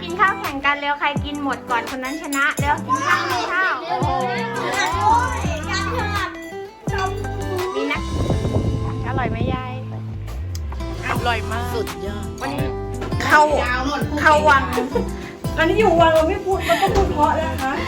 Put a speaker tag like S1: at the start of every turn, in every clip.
S1: นข้าวแข่งกันเร็วใครกินหมดก่อนคนนั้นชนะเร็วกินข้าวโอ้โหนี่นะอร่อยไหมยายอร่อยมาก
S2: สุดยอด
S1: วันนี้เข้าวัง
S3: อันนี้อยู่วังเราไม่พูดมันก็พูดเพราะแล้วคะ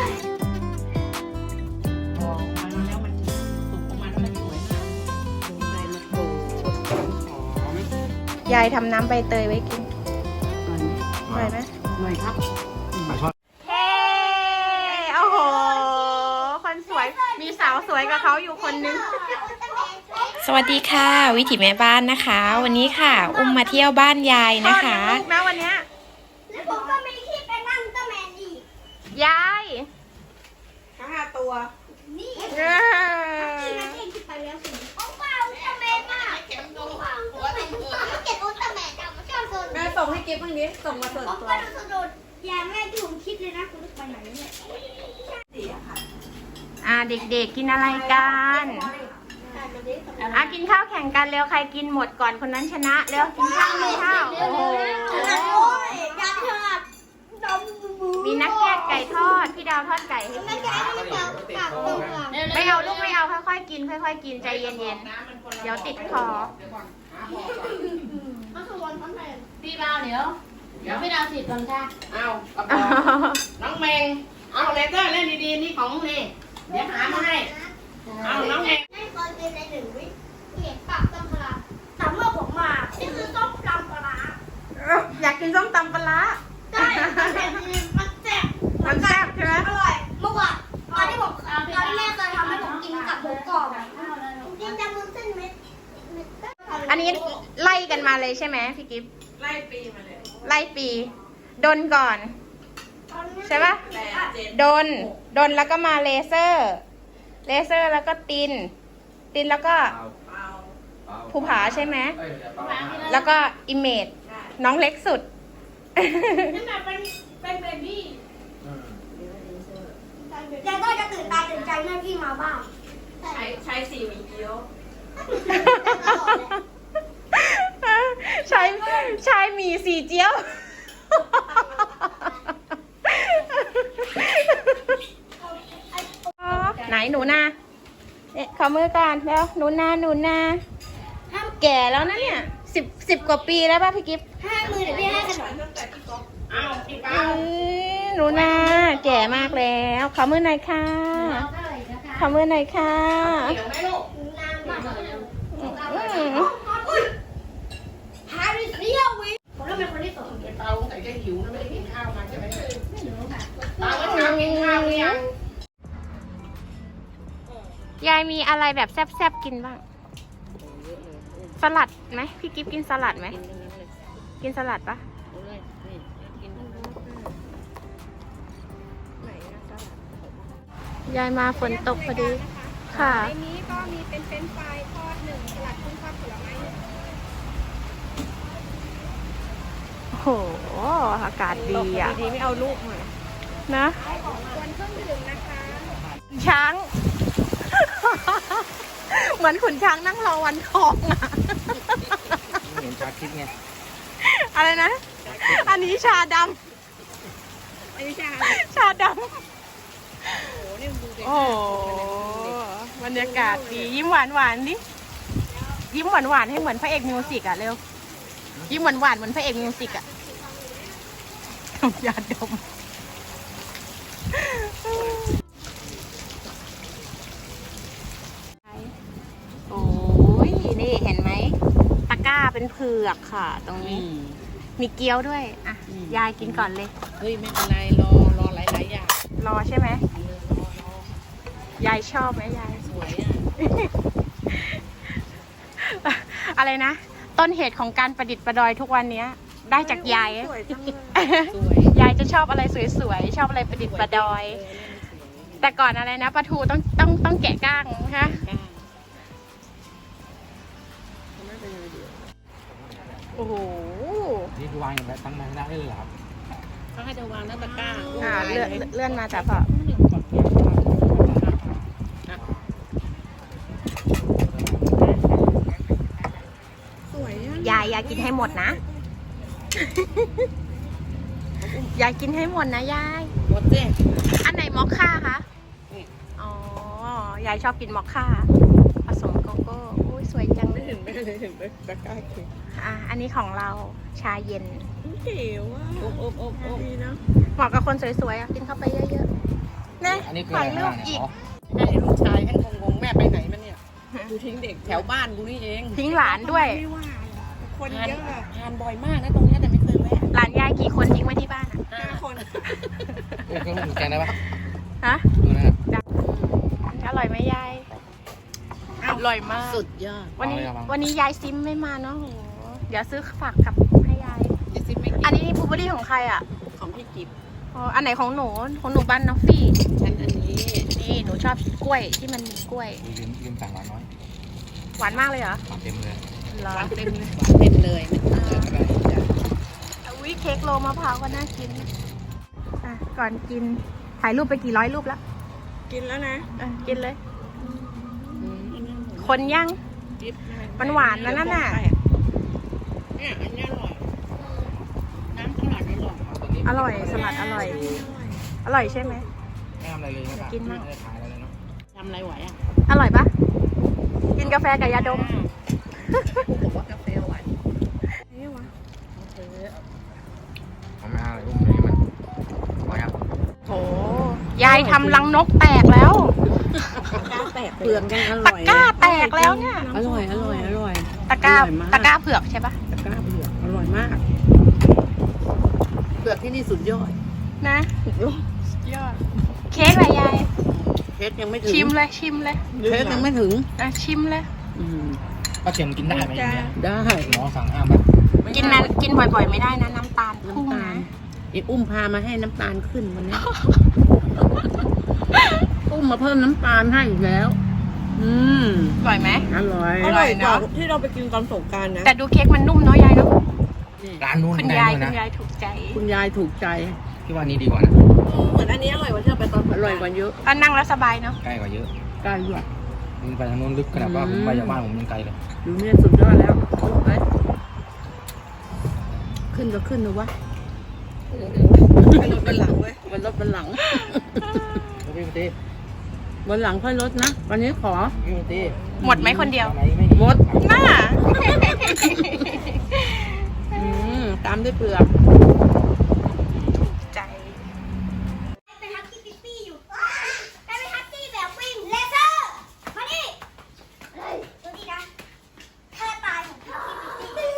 S1: ยายทำน้ำใบเตยไว้กินอร่อยไหม
S2: อร่อยครับ
S1: เฮ้โอ้โหคนสวยมีสาวสวยกับเขาอยู่คนนึงสวัสดีค่ะวิถีแม่บ้านนะคะ วันนี้ค่ะอุ้มมาเที่ยวบ้านยายนะคะลูกนะวันนี้
S4: แล้วผมก็มีคลิปไปนั่งตะแมนอีก
S1: ยาย
S3: 5 ตัว
S4: นี่ที่นั่นเองที่ไปแล้วสิโอ้เปล่าตะแมนมากเก็บตัวเก็บตัวตะแมนจับมาชอบโซน
S3: แม่ส่งให้กิ๊บบ้างดิส่งมาส่วนตัว
S4: ก็โดนอย่างแรกที่ผมคิดเลยนะคุณไปไหนเนี่ย
S1: เด็กๆกินอะไรกันกินข้าวแข่งกันเร็วใครกินหมดก่อนคนนั้นชนะเร็วกินข้าวโอ้โหมีนักแกะไก่ทอดพี่ดาวทอดไก่ให้กินไม่เอาลูกไม่เอาค่อยๆกินค่อยๆกินใจเย็นๆเดี๋ยวติดคอ
S2: พี่ดาวเดี๋ยวพี่ดาวสิก่อนค่ะเอาน้องเมงเอาเลเตอร์เล่นดีๆนี่ของนี่เดี๋ยวหามาให้เอาน้องเมง
S4: ไม่เคยเป็นในหนึ่งวิเห็นปากต้มปลาแต่เมื่อผมมานี่คือต้มตำปลา
S1: อยากกินส้มตำปลา
S4: ใช่มันแซ่บ
S1: ใช่ไหม
S4: อร่อยเมื่อวานตอนที่แม่เคยทำให้ผมกินกับหมูกรอบกินจำมุนเส้นเม็ด
S1: อันนี้ไล่กันมาเลยใช่ไหมพี่กิฟต์
S3: ไล่ปีมาเลย
S1: ไล่ปีดนก่อนใช่ปะดนแล้วก็มาเลเซอร์แล้วก็ตินแล้วก็ภูผาใช่ไหมแล้วก็อิเมจน้องเล็กสุด
S4: นั่นแบบเป็นเบบี้ยายก็จะตื่นตาตื่นใจเมื่อพี่มาบ้าน
S3: ใช้4 หวีเกี้ยว
S1: ใช้มีสีเจี๊ยวไหนหนูนาเนี่ยขอมือก่อนแล้วหนูนาแก่แล้วนะเนี่ยสิบกว่าปีแล้วป่ะพี่กิฟต์
S4: ให้มือเดี๋ยวพี่ให้ขนม
S2: เอาพี่ป้า
S1: หนูนาแก่มากแล้วขอมือหน่อยค่ะขอมือหน่อยค่ะ
S2: เดี๋ยวไหมลูก
S4: ฮาริสเรียววิผมต้องเป็นคนที่สอง
S2: เตาแต่จะหิวนะไม่ได้กินข้าวมาใช่ไหมไม่รู้ค่ะตาเมื่อเช้ากินข้าวหรือยัง
S1: ยายมีอะไรแบบแซ่บๆกินบ้างสลัดไหมพี่กิฟกินสลัดไหมกินสลัดปะยายมาฝนตกพอดีค่ะ
S3: ในนี้ก็มีเป็นเฟรนช์ฟรายทอด1สลัดกุ้งทอดผลไม้
S1: โอ้โหอากาศดีอ่ะ
S3: ดีไม่เอาลูกมา
S1: นะ
S3: ควรเครื่องดื่มนะคะ
S1: ช้างเหมือนขุนช้างนั่งรอวันทองอ่ะ
S5: เห็นชาคิดไง
S1: อะไรนะอันนี้ชาดำ
S3: อันนี้
S1: ชาดำโอ้บรรยากาศดียิ้มหวานดิยิ้มหวานให้เหมือนพระเอกมิวสิกอ่ะเร็วยิ้มหวานเหมือนพระเอกมิวสิกอ่ะยาดมโอ้ยนี่เห็นไหมตะกร้าเป็นเผือกค่ะตรงนี้มีเกี๊ยวด้วยอ่ะยายกินก่อนเลย
S2: เฮ้ยไม่เป็นไรรอหลายอย่าง
S1: รอใช่ไหมยายชอบไหมยาย
S2: สวย
S1: อะไรนะต้นเหตุของการประดิษฐ์ประดอยทุกวันนี้ได้จากยายยายจะชอบอะไรสวยๆชอบอะไรประดิษฐ์ประดอยแต่ก่อนอะไรนะปลาทูต้องแกะก้างฮะโอ้โห
S5: นี่วางอย่างไรตั้งมาได้เลยเหรอครับ
S2: ต้องให้เธอวางหน้าตะกร้า
S1: เลื่อนมาจ้ะพ่อ ยายกินให้หมดนะยายกินให้หมดนะยาย
S2: หมดสิ
S1: อันไหนมอคค่าคะ
S2: นี่
S1: อ๋อ ยายชอบกินมอคค่า ผสมโกโก้อุ้ยสวยจังเลย
S3: เห็นไหมตะกร้าเค้ก
S1: อันนี้ของเราชาเย็น
S3: เก๋ว่ะอบดีนะ
S1: เหมาะกับคนสวยๆอ่ะ กินเข้าไปเยอะๆนะ
S5: อันนี้คือ
S1: ถ่า
S5: อะ
S1: ย
S5: ไร
S1: รู
S5: ข้าง
S1: ป
S5: ล่าง
S1: อี
S5: เนี่ย
S1: ก
S5: อ๋อ
S2: ให้ลูกชายให้งงๆแม่ไปไหนมันเนี่ย
S3: ดูทิ้งเด็ก
S2: แถวบ้านกูนี่เอง
S1: ทิ้งหลานด้วย
S3: ไม่ว่าหรอกคนเยอะอะ
S2: ทานบ่อยมากนะตรงเนี้ยแต่ไม่เคยแวะ
S1: หลานยายกี่คนทิ้งไว้ที่บ้านอ่ะ
S3: 5 คน
S5: เอ้ยเครื่องมือแกงได้ปะ
S1: ฮะ
S5: ดูนั่นน่ะ
S1: อร่อยไหมยาย อร่อยมาก
S2: สุดยอด
S1: วันนี้
S5: เอาเลยครับ
S1: วันนี้ยายซิมไม่มาเนาะโหเดี๋ยวซื้อฝากกลับให้ยาย
S2: จะซิไม่
S1: อั
S2: กิ
S1: น
S2: น
S1: นี้บูเบอรี่ของใครอ่ะ
S2: ของพี่กิบ
S1: อ๋อ อันไหนของหนู ของหนูบ้านน้องฟี่
S2: ฉันอันนี้
S1: นี่หนูชอบกล้วยที่มันมีกล้วย
S5: ลืมสั่งหวานน้อย
S1: หวานมากเลยเหรอ
S5: หวานเต็มเลย
S1: เหรอ
S2: หวานเต็มเลยหวานเต็มเลยจ้ะ
S1: อุ้ยเค้กโรลมะพร้าวก็น่ากิน อ่ะ ก่อนกิน ถ่ายรูปไปกี่ร้อยรูปแล้ว
S3: กินแล้วนะ
S1: กินเลย คนยัง
S2: จิ๊บ
S1: มันหวานนะนั่นน่ะ
S2: เนี่ยอันนี้อร่อยน้ำสลัดอร่อย
S1: อร่อย สลัดอร่อย อร่อยใช่ไหม
S5: ไม่ทำอะไรเลยนะ
S1: กินมาก
S5: ไม่ได้ขายอะไรเลยเนาะ
S2: ทำอะไรไหวอ่ะ
S1: อร่อยปะกินกาแฟกับยาดม
S2: บอกว่ากาแฟหวาน
S3: นี่วะ
S5: ทำไม่อะไรอุ้มนี่มันพอยัง
S1: โถยายทำรังนกแตกแล้ว
S3: กล้าแตก
S2: เปลือกยังอ
S1: ตะ
S2: ร่อย
S1: กร้าแตกแล้วเนี่ย
S2: อร่อยอร่อยอร่อย
S1: ตะกร้า
S2: อร่อยมาก
S1: ตะกร้าเผือกใช่ปะ
S2: ตะกร้าเปลือกอร่อยมากเปลือกที่นี่สุดยอด
S1: นะยอด เค้กอะไรยาย
S2: เค้กยังไม่ถึง
S1: ชิมเลยชิมเลย
S2: เค้กยังไม่ถึง
S1: อ่ะชิมเลย
S2: อืม
S5: ป้าเข็มกินได้ไหมอย่างเงี้ย
S2: ได้
S5: หมอสั่งห้ามปะ
S1: กินนั้นกินบ่อยๆไม่ได้นะ น้ำตาลพุ่ง
S2: น้ำตา
S1: นะ
S2: ลอีกอุ้มพามาให้น้ำตาลขึ้นวันนี้ อุ้มมาเพิ่มน้ำตาลให้อีกแล้ว อืม
S1: อร่อยไหม
S2: อร่อย
S3: อร่อยกว่า
S1: เนอะ
S3: ที่เราไปกินตอนสงกรารนะ
S1: แต่ดูเค้กมันนุ่มเนาะยายเนาะ
S2: นี่
S5: ร้านนู้น
S1: คุณ
S5: ได้
S1: ยาย
S5: ด้วย
S1: คุ
S5: นะ
S1: ณยายถูกใจ
S2: คุณยายถูกใจ
S5: พี่ว่านี้ดีกว่านะ
S3: เหมือนอันนี้อร่อยกว่าที่เราไปตอนสง
S2: อก ร่อยกว่าเยอะ
S1: ก็นั่งแล้วสบายเนาะ
S5: ใกล้กว่าเยอะ
S2: ใกล้ด้วย
S5: มันไปทางนู้นลึกขนาดว่าผมไปจากบ้านผมยังไกลเลย
S2: ดูเนี่ยสุดยอดแล้วลูกเอ้ยขึ้นก็ขึ้นนะวะ
S3: ไปรถเป็นหลังเว้ย
S2: วันรถวันหลัง
S5: พี่มาตี
S2: วันหลังค่อยลดนะ วันนี้ขอ
S5: พี่มาตี
S1: หมดไหมคนเดียว
S2: หมด
S1: น่า
S2: ตามด้วยเปลือก
S1: ใจ
S4: เป็นฮัตตี้ปิ๊ปปี้อยู่เป็นฮัตตี้แบบวิ่งเลเซอร์มาดิเฮ้ยดูดินะท่าตายของฮัตตี้ปิ๊ป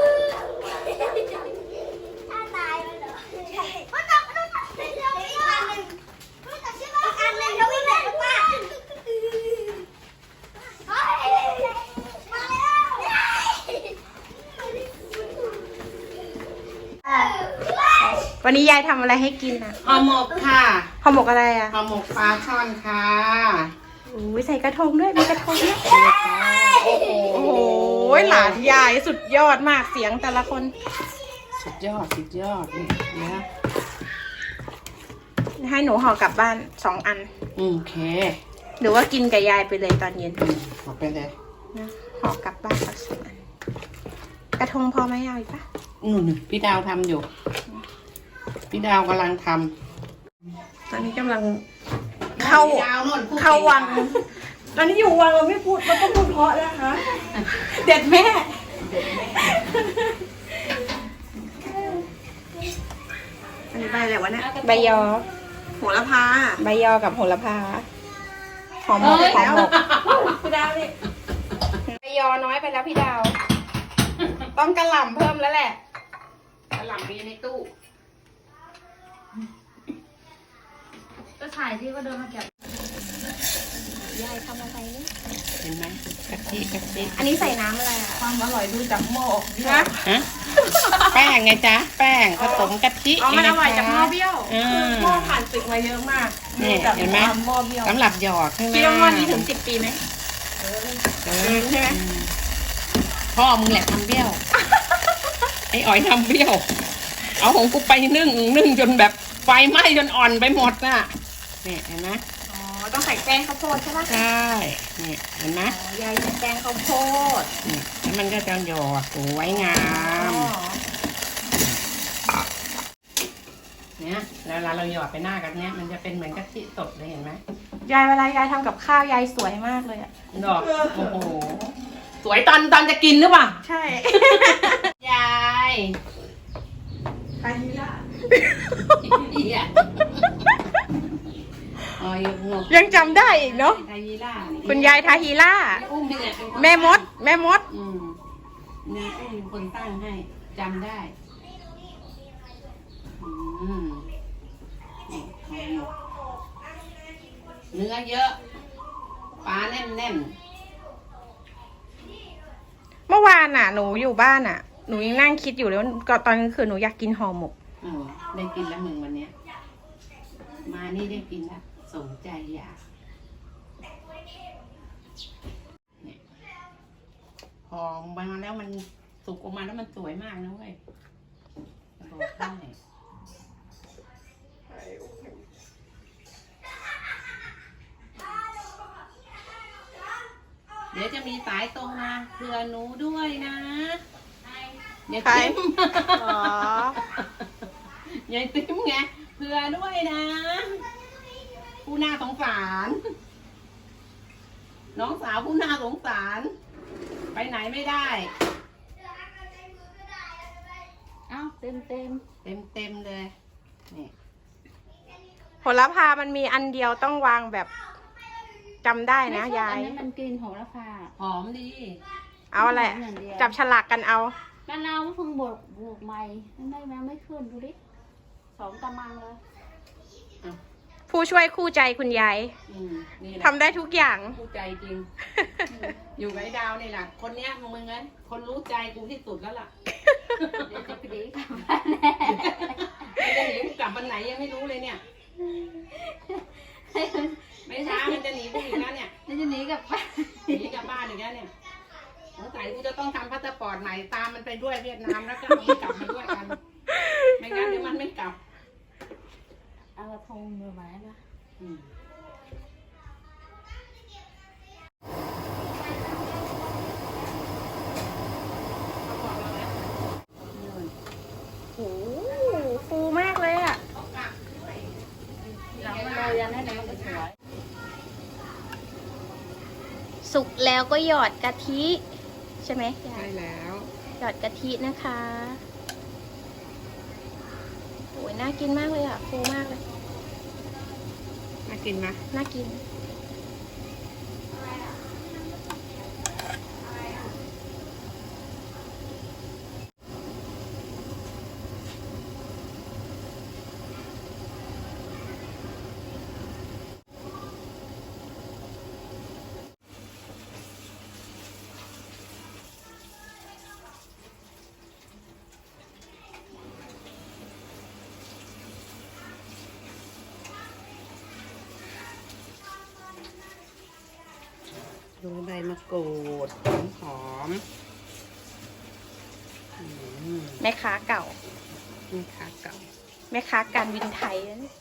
S4: ปี้ท่าตายเลยเหรอใช่มันจับมันจับเป็นเรื่องอีกอันหนึ่งมันจับใช่ไหมอีกอันหนึ่งแล้ววิ่งแบบป้าเฮ้ยมาแล้ว
S1: วันนี้ยายทำอะไรให้กินอ่ะ
S2: ห่อหมกค่ะ
S1: ห่อหมกอะไรอ่ะ
S2: ห่อหมกปลาช่อนค่ะ
S1: อุ้ยใส่กระทงด้วยมีกระทงด้วยโอ้โหหลานยายสุดยอดมากเสียงแต่ละคน
S2: สุดยอดสุดยอดนี่นะ
S1: ให้หนูห่อกลับบ้าน2 อัน
S2: โอเค
S1: หรือว่ากินกับยายไปเลยตอนเย็น
S2: ขอไปเลย
S1: นะห่อกลับบ้านสัก2 อัน กระทงพอไหมเอาอีกปะ
S2: พี่ดาวทำอยู่ พี่ดาวกำลังท
S1: ตอนนี้กำลัง
S2: ำ
S1: เข้า
S2: พี่ดาวนู่นพูด
S1: เข้าวัง
S3: ตอนนี้อยู่วังเราไม่พูดเราต้องพูดเพราะนะคะ
S1: เด็ดแม่
S3: อันนี้ใบอะไรวะเนี่ย
S1: ใบยอ
S3: โหระพา
S1: ใบยอกับโหระพาหอมหมกหอมหมก
S3: พี่ดาวนี่
S1: ใบยอน้อยไปแล้วพี่ดาว ต้องกระหล่ำเพิ่มแล้วแหละ
S2: กระหล่ำมีในตู้
S1: ก็ถ่ายที่ก็เดินมาเก็บยายทำอะไรนี่
S2: เห็นไหมกะทิกะทิ
S1: อันนี้ใส่น้ำอะไรอ่ะ
S3: ความอร่อยดูจากหม้อ
S1: ฮะ
S2: ฮะแป้งไงจ๊ะ แป้งผสมกะทิ
S1: อ๋อมันอร่อยจากหม้อเบี้ยว
S2: อืม
S3: หม้อผ่านศึกมาเยอะมาก
S2: นี่
S3: ดูจาก
S2: เห็นไหม
S3: ความหม้อเบี้ยว
S2: สำหรับหยอดใช่ไหม
S1: คิดว่าหม้อนี้ถึง10 ปีไหม ใช่ไหม
S2: พ่อมึงแหละทำเบี้ยว ไอ้อ๋อยทำเบี้ยว เอาของกูไปนึ่งจนแบบไฟไหม้จนอ่อนไปหมดน่ะนี่เห็นไหม
S1: อ๋อ ต้องใส่แป้งข้าวโพดใช่ปะ
S2: ใช่นี่เห็นไหม
S1: อ๋อยายใส่แป้งข้าวโพด
S2: นี่แล้วมันก็จะหยอดสวยงาม
S1: อ๋อ
S2: เนี่ยแล้วเวลาเราหยอดไปหน้ากันเนี้ยมันจะเป็นเหมือนกะทิสดเลยเห็นไหม
S1: ยายเวลายายทำกับข้าวยายสวยมากเลยอ่ะ
S2: ดอกโอ้โหสวยตอนจะกินหรือเปล่า
S1: ใช่
S2: ยายทาฮิล่าอ๋อยังงง
S1: ยังจำได้อีกเนาะ
S2: ทาฮิล่า
S1: คุณยายทาฮีล่า
S2: อุ้มนี่แหละเป็นคน
S1: แม่มด แม่มด
S2: นี่อุ้มเป็นคนตั้งให้จำได้อืมนี่ห่อหมกเนื้อเยอะปลาแน่น
S1: เมื่อวานน่ะ หนูอยู่บ้านน่ะ หนูยังนั่งคิดอยู่เลยว่าก่อนตอนกลางคืนหนูอยากกินห่อหมก
S2: ได้กินแล้วมึงวันเนี้ยมานี่ได้กินแล้วสมใจอยากเนี่ยพอมาแล้วมันสุกออกมาแล้วมันสวยมากนะเว้ยบอกได้เดี๋ยวจะมีสายตรงมาเผื่อหนูด้วยนะเดี๋ยว
S1: ใคร
S2: จิ้ม
S1: อ๋อ
S2: ยายติ๊มไงเผื่อด้วยนะ ผู้น่าสงสาร น้องสาวผู้น่าสงสาร ไปไหนไม่ได้
S3: เอ้าเต็ม
S2: เต็มเลยนี่
S1: โหระพามันมีอันเดียวต้องวางแบบจำได้
S3: ๆ
S1: นะ
S3: ไม่ชอบ
S1: ยาย
S3: อันนั้นมันกลิ่นโหระพา
S2: หอมดี
S1: เอาแหละ
S3: อย่างเดียว
S1: จับฉลากกันเอา
S3: มะนาวเพิ่งบวกใหม่ไม่ขึ้นดูดิ2 กะมังเลย
S1: ผู้ช่วยคู่ใจคุณยาย
S2: นี่แหละ
S1: ทำได้ทุกอย่าง
S2: ผู้ใจจริง อยู่กับไอ้ดาวนี่แหละคนเนี้ยมึงไงคนรู้ใจกูที่สุดแล้วล่ะ
S3: เดี๋ยวจะไปดีกับ
S2: มันจะหนีกูกลับวันไหนยังไม่รู้เลยเนี่ย ไม่ช้ามันจะหนีกูอีกแล้วเนี่ย
S3: เดี๋ยวจะหนีกับป้า
S2: หนีกลับบ้านอีกแล้วเนี่ยสงสัยกูจะต้องทำพาสปอร์ตใหม่ตามมันไปด้วยเวียดนามแล้วก็เอามันกลับมาด้วยกัน ไม่งั้นเดี๋ยวมันไม่กลับ
S3: เอากระทงมือไว้นะ
S2: อืม
S1: โอ้โหฟูมากเลยอ่ะ
S3: หลังมันเลยยันให้มันสวย
S1: สุกแล้วก็หยอดกะทิ ใช่ไหมยา
S2: ใช่
S1: ย
S2: แล้ว
S1: หยอดกะทินะคะโอ้ยน่ากินมากเลยอ่ะ ฟูมากเลย
S2: น่ากินไหม
S1: น่ากิน
S2: ดูใบมะกรูดหอมอืม
S1: แม่ค้าเก่า
S2: นี่ขาเก่า
S1: แม่ค้าการบินไทยนะเนี่ย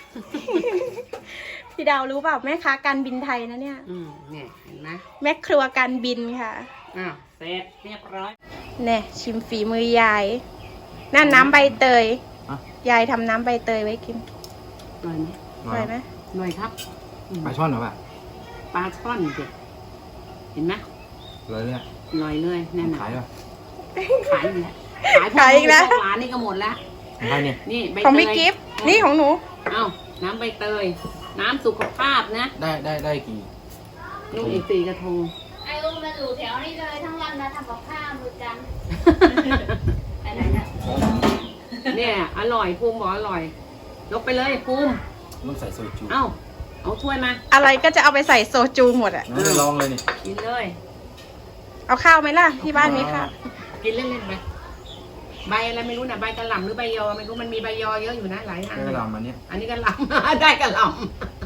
S1: พี่ดาวรู้เปล่าแม่ค้าการบินไทยนะเนี่ย
S2: เนี่ยเห็นไหม
S1: แม่ครัวการบินค่ะ
S2: อ้าวเสร็จเรียบร้อย
S1: เนี่ยชิมฝีมือยาย นั่นน้ำใบเตย
S5: อ่ะ
S1: ยายทำน้ำใบเตยไว้กิน
S2: หน่อยไหม
S1: อร่อยไหม
S2: หน่อยครับ
S5: ปลาช่อนเหรอป่ะ
S2: ปลาช่อนเด็ดเห็นไหม
S5: เลยเนี่ย
S2: หน่อยเลยนั่นน่ะ
S5: ขายป่ะ
S2: ขายอีกแล้ว
S1: ขายอีกแล้ว
S2: พวร้านนี่ก็หมดแล้ว
S5: ของใครเนี่ย
S2: นี่ใบเตย
S1: ของพี่กิฟต์นี่ของหนู
S2: เอ้าน้ำใบเตย น้ำสุขภาพนะ
S5: ได้กี่
S2: ลูกอีก4 กระทง
S3: ไอ้อุ้มมาอยู่แถวนี้เลยทั้งวันนะทำกับข้าวมือกันไปไหนนะ
S2: เนี่ยอร่อยภูมิบอกอร่อยยกไปเลยภูมิ
S5: ต้องใส่โซจู
S2: เอ้าเอาถ้วยมา
S1: อะไรก็จะเอาไปใส่โซจูหมดอะ
S5: ไม่ได้ลองเลยนี่
S2: กินเลย
S1: เอาข้าวไหมล่ะ ที่บ้านมีข้าว
S2: กินเล่นๆไปใบอะไรไม่รู้นะใบกระหล่ำหรือใบยอไม่รู้มันมีใบยอเยอะอยู่นะหลายอัน
S5: ไม่ได้ลองมันเนี่ย
S2: อันนี้กระหล่ำ ได้กระหล่ำ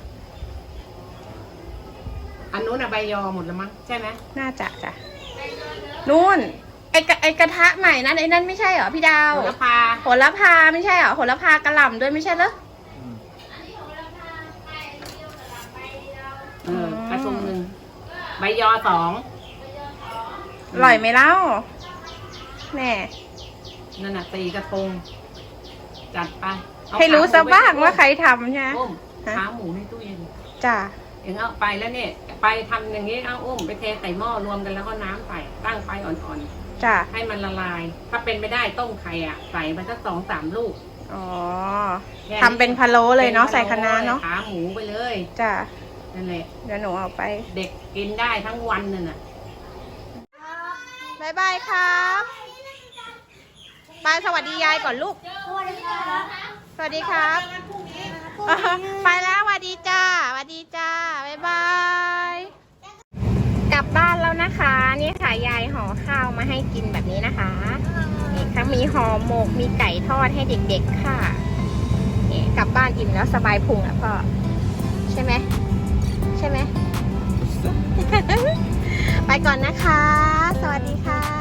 S2: อันนู้นอะใบยอหมดแล้วมั้งใช่ไหม
S1: น่าจะจ้ะนู่นไอกระทะใหม่นั้นไอ้นั่นไม่ใช่เหรอพี่ดาว
S2: โหระพา
S1: โหระพาไม่ใช่เหรอโหระพากระหล่ำด้วยไม่ใอ
S2: กระทงหนึ่งใบยอ2
S1: อร่อยไหมเล่าแน่
S2: นั่นน่ะ4 กระทงจัดไป
S1: ให้รู้ซะบ้างว่าใครทำใช่ไหม
S2: อุ้ม
S1: ฮะ
S2: ขาหมูในตู้เย็น
S1: จ้ะ
S2: เองเอาไปแล้วเนี่ยไปทำอย่างนี้เอาอุ้มไปเทใส่หม้อรวมกันแล้วก็น้ำใส่ตั้งไฟอ่อน
S1: จ้ะ
S2: ๆให้มันละลาย ถ้าเป็นไม่ได้ต้มไข่อ่ะใส่ไปสัก2-3 ลูก
S1: อ๋อ
S2: แค่
S1: ทำเป็นพะโล้เลยเนาะใส่คะน้าเนาะ
S2: ขาหมูไปเลย
S1: จ้ะ
S2: นั่นแหละ
S1: เดี๋ยวหนูเอาไป
S2: เด็กกินได้ทั้งวันนั่นน่ะ
S1: บายบายครับบายสวัสดียายก่อนลูก สวัสดีครับ ไปแล้วสวัสดีจ้าสวัสดีจ้าบายบาย กลับบ้านแล้วนะคะ นี่ค่ะยายห่อข้าวมาให้กินแบบนี้นะคะนี่ทั้งมีห่อหมก มีไก่ทอดให้เด็กๆค่ะนี่กลับบ้านอิ่มแล้วสบายพุงอ่ะพ่อ ใช่ไหม ใช่ไหม ไปก่อนนะคะ สวัสดีค่ะ